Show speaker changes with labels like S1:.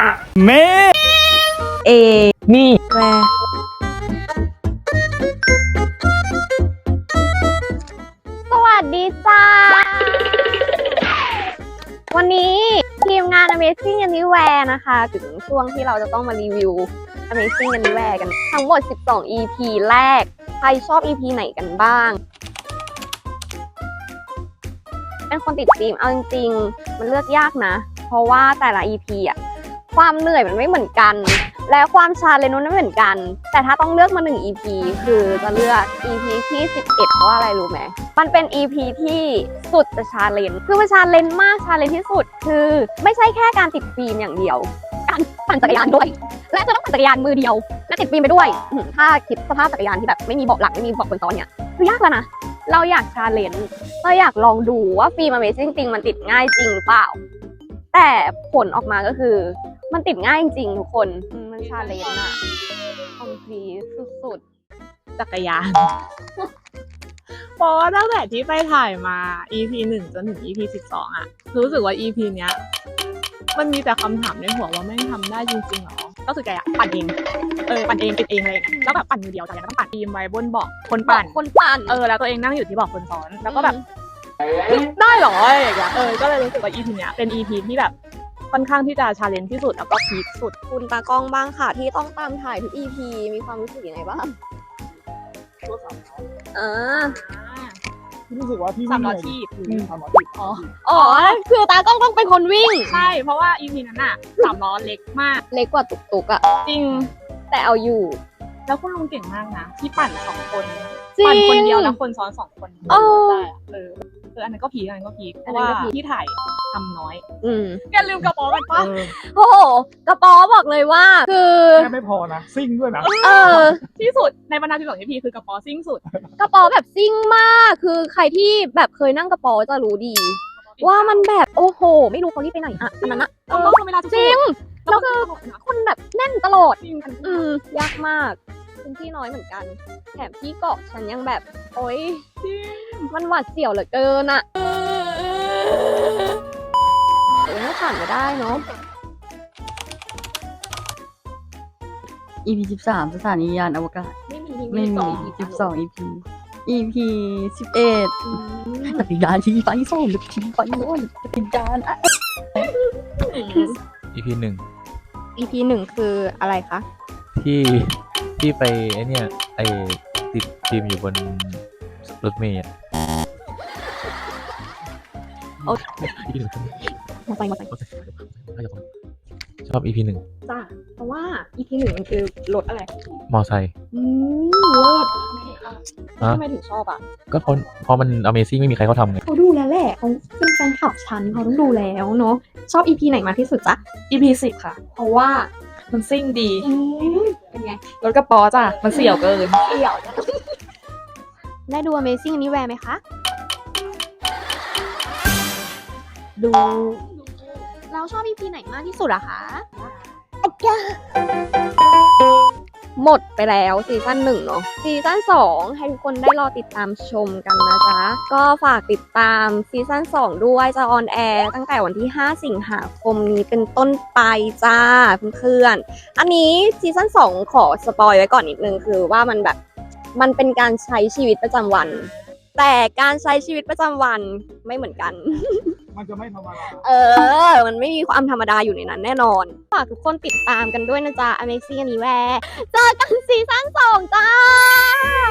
S1: เม
S2: เอ
S1: นี่
S2: แวสวัสดีจ้าวันนี้ทีมงาน Amazing Anywhere นะคะถึงช่วงที่เราจะต้องมารีวิว Amazing Anywhere กันทั้งหมด12 EP แรกใครชอบ EP ไหนกันบ้างเป็นคนติดฟิล์มเอาจริงๆมันเลือกยากนะเพราะว่าแต่ละ EP อ่ะความเหนื่อยมันไม่เหมือนกันและความชาเลนจ์มันไม่เหมือนกันแต่ถ้าต้องเลือกมา1 EP คือจะเลือก EP ที่11เพราะว่าอะไรรู้ไหมมันเป็น EP ที่สุดจะชาเลนจ์คือมันชาเลนจ์มากชาเลนจ์ที่สุดคือไม่ใช่แค่การติดฟิล์มอย่างเดียวการปั่นจักรยานด้วยและจะต้องปั่นจักรยานมือเดียวและติดฟิล์มไปด้วยถ้าคิดสภาพจักรยานที่แบบไม่มีเบาะหลังไม่มีเบาะคนซ้อนเนี่ยคือยากแล้วนะเราอยากชาเลนจ์เราอยากลองดูว่าฟิล์ม Amazing จริงมันติดง่ายจริงหรือเปล่าแต่ผลออกมาก็คือมันติดง่ายจริงทุกคนมันชาเลนจ์อะคอมพลีสุดๆจักรยาน
S3: เพราะว่าตั้งแต่ที่ไปถ่ายมา EP 1 จนถึง EP 12 อ่ะ รู้สึกว่า EP เนี้ยมันมีแต่คำถามในหัวว่าแม่งทำได้จริงๆหรอ ก็คือแกปั่นเอง ปั่นเองติดเองอะไรอย่างเงี้ยแล้วแบบปั่นมือเดียวแต่ยังต้องปั่นทีมไว้บนเบาะคนปั่น แล้วตัวเองนั่งอยู่ที่เบาะคนซ้อน แล้วก็แบบได้หรออะไรอย่างเงี้ยก็เลยรู้สึกว่า EP เนี้ยเป็น EP ที่แบบค่อนข้างที่จะชาเลนจ์ที่สุดแล้วก็พีคสุด
S2: คุณตากล้องบ้างค่ะที่ต้องตามถ่ายทุก EP มีความรู้สึกยังไงบ้าง
S1: รู้สึกว่าพี่
S3: สามล้อถีบ
S1: 300 ที
S2: อ๋อคือตากล้องต้องเป็นคนวิ่ง
S3: ใช่ เพราะว่า EP นั้นอะ3 ล้อเล็กมาก
S2: เล็กกว่าตุกๆอะ
S3: จริง
S2: แต่เอาอยู่
S3: แล้วคุณลุงเก่งมากนะ ที่ปั่น2 คน
S2: จริง
S3: ปั่นคนเดียวแล้วคนซ้อน2 คน
S2: เออ
S3: ได้อะอันนั้นก็พีคอันนั้นก็พีคเพราะว่าที่ถ่ายทำน้อยอย่าลืมกระเป๋ากันปะ
S2: โอ้โหกระป๋อบอกเลยว่าคือ
S1: แค่ไม่พอนะซิ่งด้วยนะ
S3: ที่สุดในบรรดา12 EP คือกระเป๋าซิ่งสุด
S2: กระป๋อแบบซิ่งมากคือใครที่แบบเคยนั่งกระป๋อจะรู้ดี ว่ามันแบบโอ้โหไม่รู้เขารีบไปไหนอะอันนั้นอะ
S3: ต้องเวลาทุก
S2: จริงแล้วคือคนแบบแน่นตลอด
S3: จริง
S2: ยากมากพื้นที่น้อยเหมือนกันแถมที่เกาะฉันยังแบบโอ๊ยมันหวาดเสียวเหลือเกินอะถ้าผ่านไม่ได้เนาะ
S4: EP 13 สถานียานอวกาศ
S2: ไม่มี
S4: ไม่มี 12 EP EP 11จักรยานที่ไฟโซ่หรือที่ไฟโน่นจักรยานอะ
S5: EP
S2: EP หนึ่งคืออะไรคะ
S5: ที่ไปไอเนี่ยไอติดฟิล์มอยู่บนรถเมล์อะ
S2: โอ้ มาไป
S5: ชอบ EP 1
S2: จ้าเพราะว่า EP หนึ่งมันคือรถอะไร
S5: มอไซค์
S2: เลิศ
S5: ฮะ
S2: ทำไมถึงชอบอ่ะ
S5: ก็เพราะมัน Amazing ไม่มีใครเขาทำไง
S6: เขาดูแล้วแหละเขาเป็นแฟนคลับฉันเขาต้องดูแล้วเนาะชอบ EP ไหนมากที่สุดจ๊ะ
S3: EP 10 ค่ะ เพราะว่ามันซิ่งดี
S2: เป็นไง
S3: รถกระป๋อจ้ะมันเสี่ยวเกิน
S2: ได้ดู Amazing Anywhere ไหมคะ ดู เราชอบ EP ไหนมากที่สุดอะคะหมดไปแล้วซีซั่น1เนาะซีซั่น2ให้ทุกคนได้รอติดตามชมกันนะจ๊ะก็ฝากติดตามซีซั่น2ด้วยจะออนแอร์ตั้งแต่วันที่5 สิงหาคมนี้เป็นต้นไปจ้าเพื่อนๆอันนี้ซีซั่น2ขอสปอยไว้ก่อนนิดนึงคือว่ามันแบบมันเป็นการใช้ชีวิตประจำวันแต่การใช้ชีวิตประจำวันไม่เหมือนกัน
S1: มันจะไม่ธรรมดา
S2: มันไม่มีความธรรมดาอยู่ในนั้นแน่นอน ฝากทุกคนติดตามกันด้วยนะจ๊ะ Amazing Anywhere เจอกันซีซั่น2จ้า